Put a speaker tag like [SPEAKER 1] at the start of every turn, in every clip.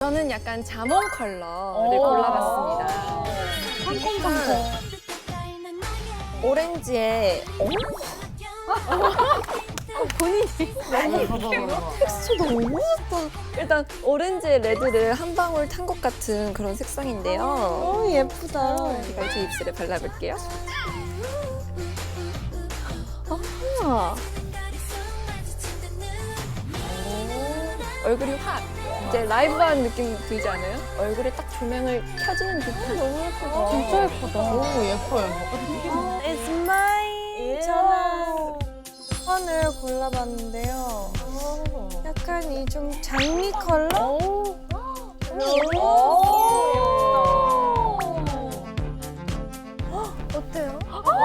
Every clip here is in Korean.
[SPEAKER 1] 저는 약간 자몽 컬러를 골라봤습니다.
[SPEAKER 2] 상콤상콤.
[SPEAKER 1] 오렌지에 본인이 텍스처 너무 좋다. 일단 오렌지에 레드를 한 방울 탄 것 같은 그런 색상인데요.
[SPEAKER 2] 예쁘다.
[SPEAKER 1] 제가 제 입술에 발라볼게요. 아하. 얼굴이 확 이제 라이브한 느낌 들지 않아요? 얼굴에 딱 조명을 켜주는 듯한 너무 예쁘다.
[SPEAKER 2] 진짜 예쁘다.
[SPEAKER 3] 너무 예뻐요.
[SPEAKER 2] It's mine. 저는 톤을 골라봤는데요. 약간 이 좀 장미 컬러? 어때요?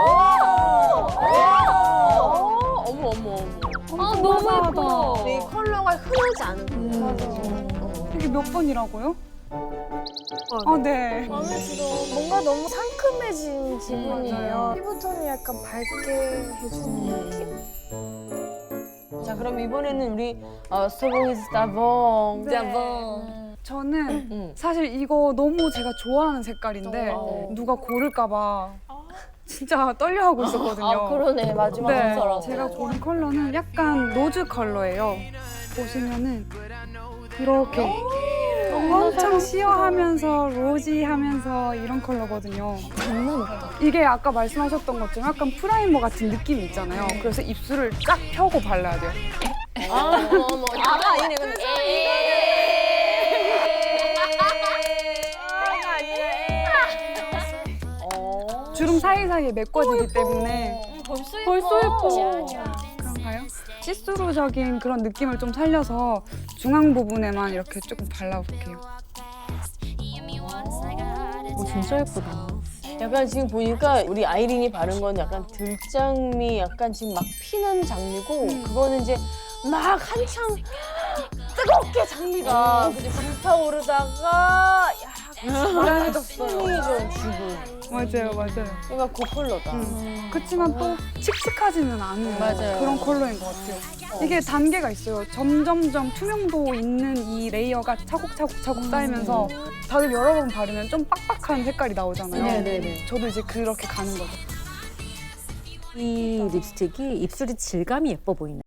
[SPEAKER 3] 어머 어머 어머.
[SPEAKER 4] 아, 너무 예뻐.
[SPEAKER 3] 이 컬러가 흐르지 않은
[SPEAKER 5] 이게 몇 번이라고요? 아, 네.
[SPEAKER 2] 마음에 들어. 뭔가 너무 상큼해진 기분이에요. 피부톤이 약간 밝게 해주는 느낌?
[SPEAKER 3] 자 그럼 이번에는 우리 스토봉이즈 따봉.
[SPEAKER 1] 짜봉.
[SPEAKER 5] 저는 사실 이거 너무 제가 좋아하는 색깔인데
[SPEAKER 3] 어.
[SPEAKER 5] 누가 고를까봐 진짜 떨려하고 있었거든요.
[SPEAKER 3] 아 그러네 마지막
[SPEAKER 5] 네,
[SPEAKER 3] 순서라서.
[SPEAKER 5] 제가 고른 컬러는 약간 로즈 컬러예요. 보시면은 이렇게 엄청 시어하면서 로지하면서 이런 컬러거든요.
[SPEAKER 1] 장난 없다.
[SPEAKER 5] 이게 아까 말씀하셨던 것처럼 약간 프라이머 같은 느낌이 있잖아요. 그래서 입술을 쫙 펴고 발라야 돼요.
[SPEAKER 3] 어머 아가 아니네 근데.
[SPEAKER 5] 주름 사이사이에 메꿔지기 때문에
[SPEAKER 4] 벌써 예뻐.
[SPEAKER 5] 그런가요? 시스루적인 그런 느낌을 좀 살려서 중앙 부분에만 이렇게 조금 발라볼게요.
[SPEAKER 4] 진짜 예쁘다.
[SPEAKER 3] 약간 지금 보니까 우리 아이린이 바른 건 약간 들장미 약간 지금 막 피는 장미고 그거는 이제 막 한창 뜨겁게 장미가 그죠? 불타오르다가 약간 숨이 좀 죽은
[SPEAKER 5] 맞아요, 맞아요.
[SPEAKER 3] 그러니까 그 컬러다.
[SPEAKER 5] 그렇지만 또 칙칙하지는 않은
[SPEAKER 3] 맞아요.
[SPEAKER 5] 그런 컬러인 것 같아요. 이게 단계가 있어요. 점점점 투명도 있는 이 레이어가 차곡차곡 쌓이면서 다들 여러 번 바르면 좀 빡빡한 색깔이 나오잖아요.
[SPEAKER 4] 네네네.
[SPEAKER 5] 저도 이제 그렇게 가는 거죠.
[SPEAKER 4] 이 립스틱이 입술이 질감이 예뻐 보이네.